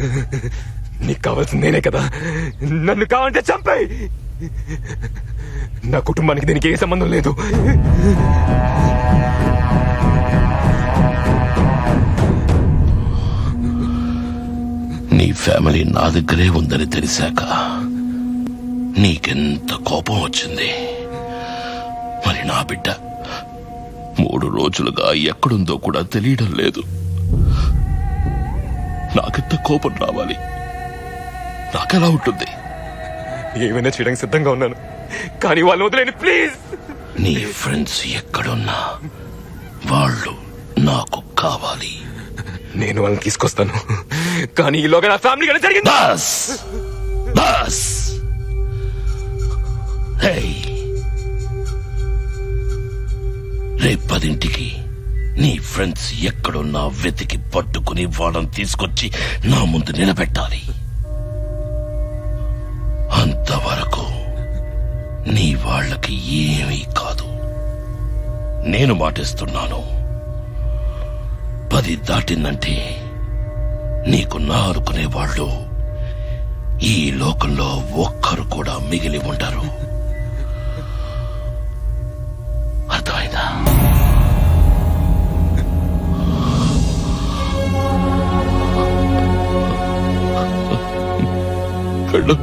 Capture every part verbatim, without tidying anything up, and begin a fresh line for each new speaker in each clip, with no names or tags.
నీకు కావాల్సింది నేనే కదా, నన్ను కావాలంటే చంపేయ్. నా కుటుంబానికి దీనికి ఏ సంబంధం లేదు.
నీ ఫ్యామిలీ నా దగ్గరే ఉందని తెలిసాక నీకెంత కోపం వచ్చింది. మరి నా బిడ్డ మూడు రోజులుగా ఎక్కడుందో కూడా తెలియడం లేదు. నాకెంత కోపం రావాలి? నాకెలా ఉంటుంది?
ఏమైనా చేయడానికి సిద్ధంగా ఉన్నాను, కానీ వాళ్ళు వదిలేని ప్లీజ్.
నీ ఫ్రెండ్స్ ఎక్కడున్నా వాళ్ళు నాకు కావాలి.
నేను వాళ్ళని తీసుకొస్తాను, కానీ ఈలోగా నా ఫ్యామిలీ కానీ జరిగింది.
బస్ బస్ రేపదింటికి నీ ఫ్రెండ్స్ ఎక్కడున్నా వెతికి పట్టుకుని వాళ్ళని తీసుకొచ్చి నా ముందు నిలబెట్టాలి. అంతవరకు నీ వాళ్ళకి ఏమీ కాదు. నేను మాటిస్తున్నాను, పది దాటిందంటే నీకు నారుకునే వాళ్ళు ఈ లోకంలో ఒక్కరు కూడా మిగిలి ఉండరు. అర్థమైందా? కళ్ళు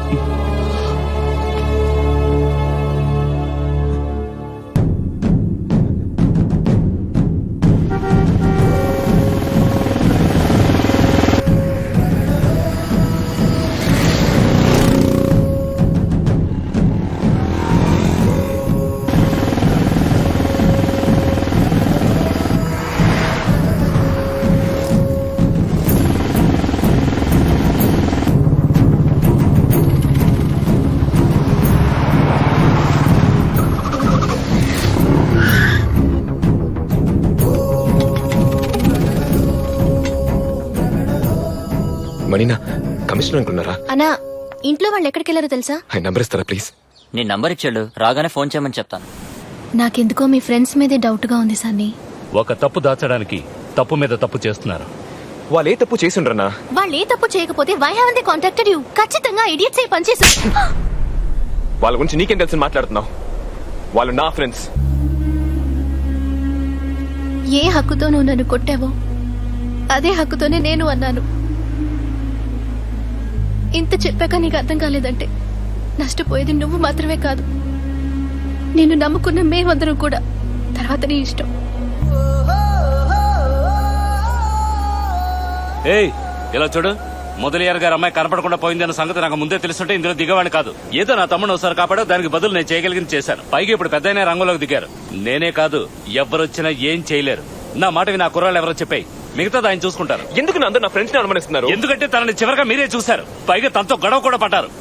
మణినా, కమిషనర్ అనుకున్నారా?
అన్నా, ఇంట్లో వాళ్ళు ఎక్కడికి వెళ్ళారో తెలుసా?
ఆయన నంబర్ ఇస్తారా ప్లీజ్?
నీ నంబర్ ఇచ్చాడు, రాగానే ఫోన్ చేయమని చెప్తాను.
నాకెందుకో మీ ఫ్రెండ్స్ మీదే డౌట్ గా ఉంది సన్నీ.
ఒక తప్పు దాచడానికి తప్పు మీద తప్పు చేస్తున్నారు.
వాళ్ళు ఏ తప్పు చేసుండ్రన్నా?
వాళ్ళు ఏ తప్పు చేయకపోతే why haven't they contacted you? ఖచ్చితంగా ఇడియట్స్ అయి పనిచేశారు.
వాళ్ళ గురించి నీకేం తెలుసు మాట్లాడుతున్నావు? వాళ్ళు నా ఫ్రెండ్స్.
ఏ హక్కుతో నువ్వు నన్ను కొట్టావో అదే హక్కుతోనే నేను అన్నాను. ఇంత చెప్పాక నీకు అర్థం కాలేదంటే నష్టపోయేది నువ్వు మాత్రమే కాదు, నేను నమ్ముకున్న మేమందరం కూడా. తర్వాత నీ ఇష్టం.
ఏయ్, ఇలా చూడు, మొదలయ్యారు గారు అమ్మాయి కనపడకుండా పోయిందన్న సంగతి నాకు ముందే తెలుసుంటే ఇందులో దిగవాడిని కాదు. ఏదో నా తమ్ముడు ఒకసారి కాపాడో, దానికి బదులు నేను చేయగలిగింది చేశాను. పైగా ఇప్పుడు పెద్దయినా రంగంలోకి దిగారు. నేనే కాదు, ఎవరొచ్చినా ఏం చేయలేరు. నా మాటవి నా కుర్రాళ్ళు ఎవరో చెప్పాయి, మిగతా ఆయన చూసుకుంటారు.
ఎందుకు నా అందరూ నా ఫ్రెండ్స్ ని అనుమానిస్తున్నారు?
ఎందుకంటే తనని చివరిగా మీరే చూశారు, పైగా తనతో గొడవ కూడా పడ్డారు.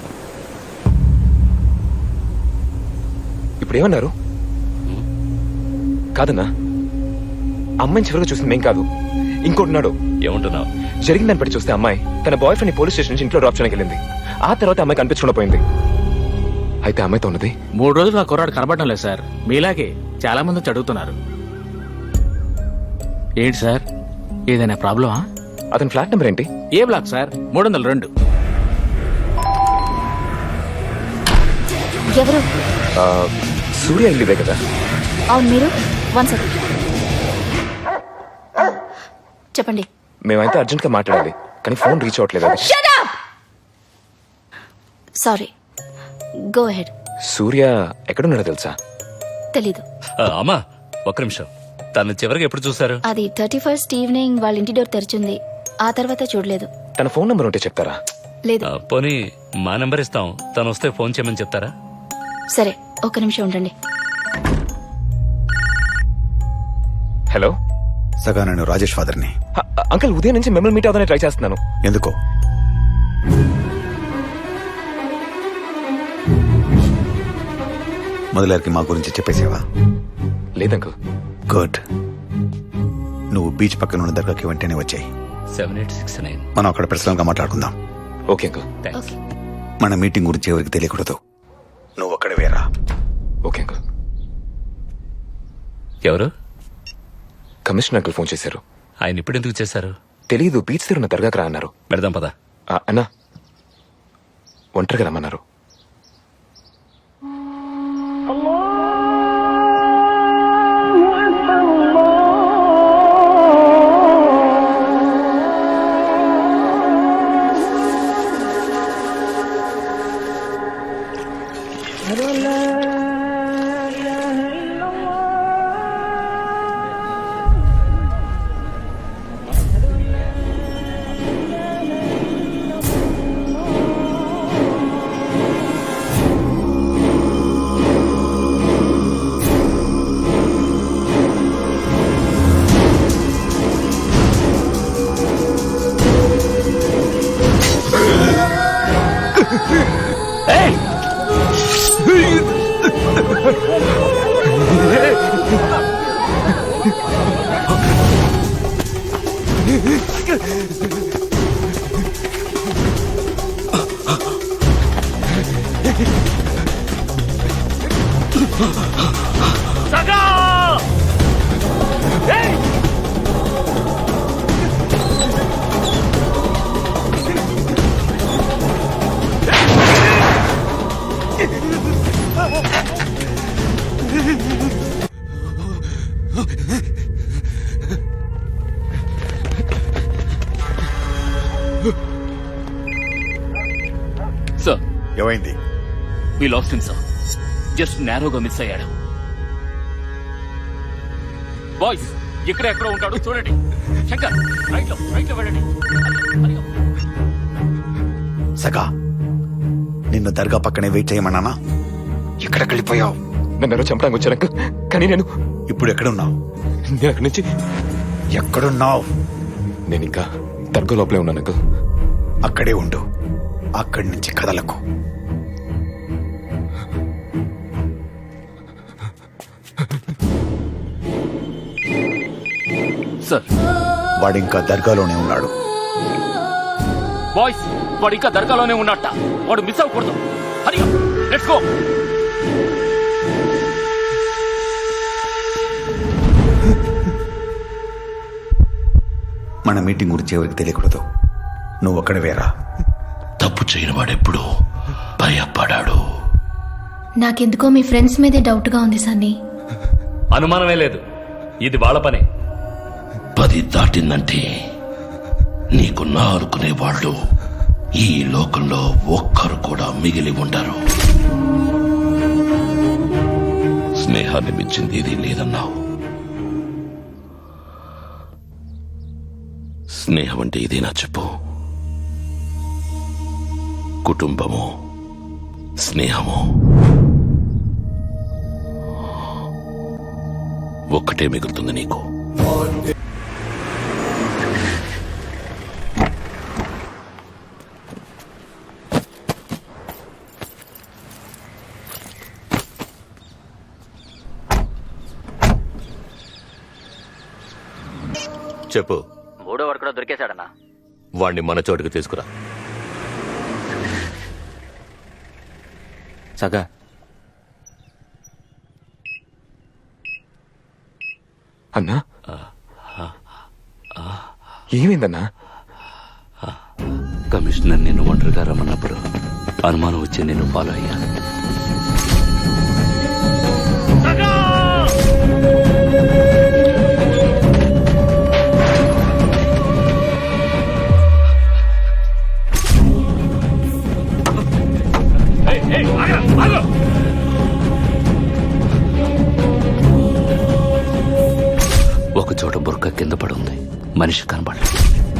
ఇప్పుడు ఏమన్నారు? కాదన్నా, అమ్మాయిని చివరిగా చూసింది మేం కాదు, ఇంకోటిన్నాడు.
ఏమంటున్నావు?
జరిగిన దాన్ని బట్టి చూస్తే అమ్మాయి తన బాయ్ ఫ్రెండ్ పోలీస్ స్టేషన్ నుంచి ఇంట్లో డ్రాప్ చేయడానికి వెళ్ళింది. ఆ తర్వాత అమ్మాయి కనిపించకుండా పోయింది. అయితే అమ్మాయితో ఉన్నది
మూడు రోజులు నా కుర్రాడు కనబడటం లేదు సార్. మీలాగే చాలా మంది వచ్చి అడుగుతున్నారు. ఏంటి సార్, ఏదైనా ప్రాబ్లమా?
అతని ఫ్లాట్ నెంబర్ ఏంటి?
A block sir? మూడు వందల రెండు.
ఎవరు?
సూర్య ఇల్లుదే కదా?
అవును, మీరు వన్ సెకండ్ చెప్పండి.
మేమైతే అర్జెంట్ గా మాట్లాడాలి, కానీ ఫోన్ రీచ్ అవ్వట్లేదు.
Sorry, go ahead.
సూర్య ఎక్కడున్నాడో తెలుసా?
తెలీదు.
ఆ, అమ్మా ఒక్క నిమిషం, తను చివరికి ఎప్పుడు చూశారు?
అది థర్టీ ఫస్ట్ ఈవినింగ్ వాళ్ళ ఇంటి డోర్ తెరిచింది, ఆ తర్వాత చూడలేదు.
తన ఫోన్ నంబర్ ఉంటే చెప్తారా?
లేదు.
ఆ, పోనీ మా నెంబర్ ఇస్తాం, తను వస్తే ఫోన్ చేయమని చెప్తారా?
సరే, ఒక్క నిమిషం ఉండండి.
హలో
సగా, నేను రాజేష్ ఫాదర్ని.
అంకుల్, ఉదయం నుంచి మిమ్మల్ని మీట్ అవుతానే ట్రై చేస్తున్నాను.
ఎందుకో? మొదలరికి మా గురించి చెప్పేసేవా?
లేదంకుల్.
గుడ్. నువ్వు బీచ్ పక్కన ఉన్న దర్గాకి వెంటనే వచ్చాయి.
సెవెన్ ఎయిట్ సిక్స్ నైన్
మనం అక్కడ పర్సనల్ గా మాట్లాడుకుందాం.
Okay uncle.
థ్యాంక్స్.
మన మీటింగ్ గురించి ఎవరికి తెలియకూడదు. నువ్వు అక్కడ వేరా.
Okay uncle.
ఎవరు?
కమిషనర్ అంకుల్ ఫోన్ చేశారు.
ఆయన ఇప్పుడు ఎందుకు చేశారు?
తెలీదు, బీచ్ తిరున్న దర్గాకి రా అన్నారు.
పెడదాం పదా.
ఆ, అన్నా ఒంటరిగా రమ్మన్నారు.
సార్,
ఏమైంది?
We lost him sir. Just నేరోగా మిస్ అయ్యాడు. బాయ్స్, ఇక్కడ ఎక్కడో ఉంటాడు చూడండి. శంకర్, రైట్ లో రైట్ లో వెళ్ళండి. హరి ఓం.
సగా, నిన్ను దర్గా పక్కనే వెయిట్ చేయమన్నానా? ఎక్కడికి వెళ్ళిపోయావు?
నన్ను ఎవరో చంపడానికి వచ్చారు అంకుల్, కానీ నేను
ఇప్పుడు ఎక్కడున్నావు?
నేను అక్కడి నుంచి
ఎక్కడున్నావు?
నేను ఇంకా దర్గా లోపలే ఉన్నాను అంకుల్.
అక్కడే ఉండు, అక్కడి నుంచి కదలకు.
సార్,
వాడు ఇంకా దర్గాలోనే ఉన్నాడు.
బాయ్స్, వాడు ఇంకా దర్గాలోనే ఉన్నట్ట. వాడు మిస్ అవ్వకూడదు. Hari Om, let's go.
మన మీటింగ్ గురించి ఎవరికి తెలియకూడదు. నువ్వు అక్కడ వేరా.
తప్పు చేయని వాడెప్పుడు భయపడాడు.
నాకెందుకో మీ ఫ్రెండ్స్ మీదే డౌట్ గా ఉంది సన్నీ.
అనుమానమే లేదు, ఇది వాళ్ళ పనే.
పది దాటిందంటే నీకు నా అనుకునే వాళ్ళు ఈ లోకంలో ఒక్కరు కూడా మిగిలి ఉండరు. స్నేహాన్ని మించింది ఇది లేదన్నావు. స్నేహం అంటే ఇదేనా చెప్పు? కుటుంబము, స్నేహము ఒక్కటే మిగులుతుంది నీకు.
చెప్పు.
మూడో వాడు కూడా దొరికేశాడన్నా.
వాణ్ణి మన చోటుకు తీసుకురా.
సగా,
అన్నా ఏమైందన్నా?
కమిషనర్ నిన్ను ఒంటరిగా రమ్మన్నప్పుడు అనుమానం వచ్చి నేను ఫాలో అయ్యాను. ఒక చోట బుర్క కింద పడుంది, మనిషి కనబడలేదు.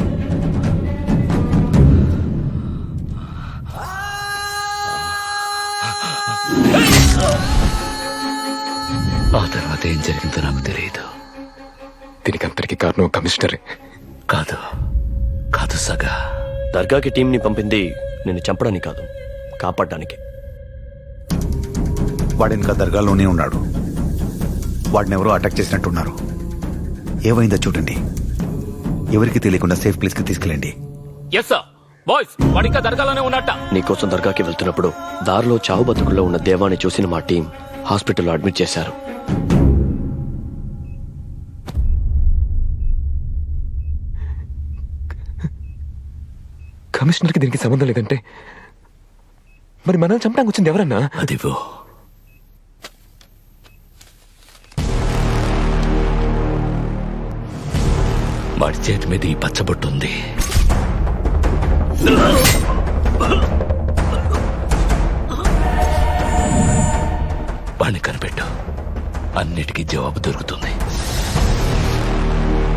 ఆ తర్వాత ఏం జరిగిందో నాకు తెలియదు.
దీనికి అంతటికి కారణం కమిషనరే.
కాదు కాదు సగా,
దర్గాకి టీంని పంపింది నిన్ను చంపడానికి కాదు, కాపాడడానికి.
వాడు ఇంకా దర్గాలోనే ఉన్నాడు. వాడిని ఎవరో అటాక్ చేసినట్టున్నారు. ఏమైందో చూడండి. ఎవరికి తెలియకుండా సేఫ్ ప్లేస్ కి తీసుకెళ్ళండి.
Yes sir. బాయ్స్, వాడు ఇంకా దర్గాలోనే ఉన్నట్ట.
నీకోసం దర్గాకి వెళ్తున్నప్పుడు దారిలో చావు బతుకుల్లో ఉన్న దేవాన్ని చూసిన మా టీం హాస్పిటల్లో అడ్మిట్ చేశారు.
కమిషనర్కి దీనికి సంబంధం లేదంటే మరి మనల్ని చంపడానికి వచ్చింది ఎవరన్నా?
అదివో వాడి చేతి మీద ఈ పచ్చబొట్టు ఉంది. వాణ్ణి కనిపెట్టు, అన్నిటికీ జవాబు దొరుకుతుంది.